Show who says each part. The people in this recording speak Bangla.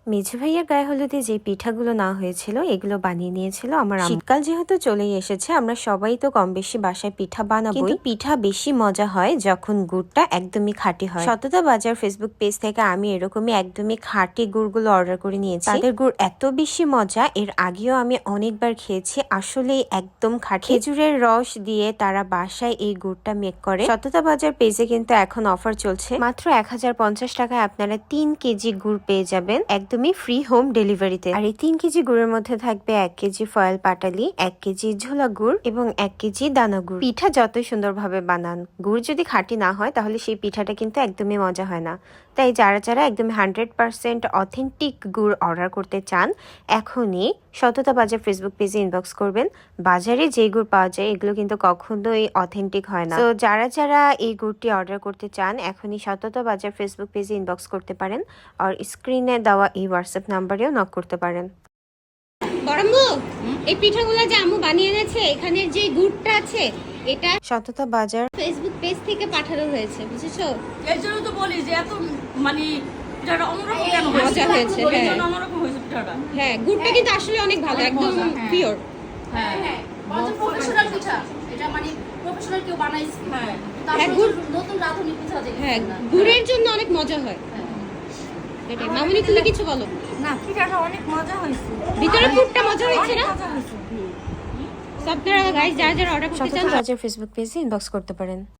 Speaker 1: মেঝে ভাইয়ার গায়ে হলুদে যে পিঠাগুলো না হয়েছিল এগুলো বানিয়ে নিয়েছিল আমার আম্মু। শীতকাল যেহেতু চলেই এসেছে, আমরা সবাই তো কম বেশি বাসায় পিঠা বানাবো, কিন্তু পিঠা বেশি মজা হয় যখন গুড়টা একদমই খাঁটি হয়। সততা বাজার ফেসবুক পেজ থেকে আমি এরকমই একদমই খাঁটি গুড়গুলো অর্ডার করে নিয়েছি। তাদের গুড় এত বেশি মজা, এর আগেও আমি অনেকবার খেয়েছি, আসলে একদম খাঁটি। খেজুরের রস দিয়ে তারা বাসায় এই গুড়টা মেক করে। সততা বাজার পেজে কিন্তু এখন অফার চলছে, মাত্র 1050 টাকায় আপনারা 3 কেজি গুড় পেয়ে যাবেন একদমই ফ্রি হোম ডেলিভারিতে। আর এই 3 কেজি গুড়ের মধ্যে থাকবে 1 কেজি ফয়েল পাটালি, 1 কেজি ঝোলা গুড় এবং 1 কেজি দানা গুড়। পিঠা যতই সুন্দরভাবে বানান, গুড় যদি খাঁটি না হয় তাহলে সেই পিঠাটা কিন্তু একদমই মজা হয় না। তাই যারা যারা একদম 100% অথেন্টিক গুড় অর্ডার করতে চান, এখনই সততা বাজার ফেসবুক পেজে ইনবক্স করবেন। বাজারে যে গুড় পাওয়া যায় এগুলো কিন্তু কখনোই অথেন্টিক হয় না। তো যারা যারা এই গুড়টি অর্ডার করতে চান, এখনই সততা বাজার ফেসবুক পেজে ইনবক্স করতে পারেন, আর স্ক্রিনে দেওয়া এই হোয়াটসঅ্যাপ নাম্বারেও নক করতে পারেন।
Speaker 2: বড়ম্বু, এই পিঠাগুলো যে আম্মু বানিয়ে এনেছে, এখানের যে গুড়টা আছে এটা
Speaker 1: সততা বাজার
Speaker 2: ফেসবুক পেজ থেকে পাঠানো হয়েছে, বুঝেছো?
Speaker 3: এর জন্য তো বলি যে এত মানে পিঠাটা অন্যরকম কেন
Speaker 2: মজা হয়েছে,
Speaker 3: হ্যাঁ
Speaker 2: হ্যাঁ।
Speaker 3: অন্যরকম হয়েছে পিঠাটা।
Speaker 2: হ্যাঁ, গুড়টা কিন্তু আসলে অনেক ভালো,
Speaker 3: অনেক
Speaker 2: একদম
Speaker 3: মজা, হ্যাঁ।
Speaker 2: পিওর।
Speaker 3: হ্যাঁ
Speaker 4: হ্যাঁ, প্রফেশনাল পিঠা এটা মানে প্রফেশনাল কেউ বানাইছে।
Speaker 3: হ্যাঁ
Speaker 2: হ্যাঁ, গুড়
Speaker 4: নতুন রাঁধুনি পিঠা যেটা।
Speaker 2: হ্যাঁ, গুড়ের জন্য অনেক মজা হয়। এটাই। মামুনি, তুমি কিছু বলো।
Speaker 3: না, পিঠাটা অনেক মজা হয়েছে,
Speaker 2: ভিতরে পুরটা মজা হয়েছে না?
Speaker 3: মজা হয়েছে।
Speaker 2: সব আপনারা গাইস যারা যারা অর্ডার করতে
Speaker 1: সততা
Speaker 2: চান
Speaker 1: বাজার ফেসবুক পেজে ইনবক্স করতে পারেন।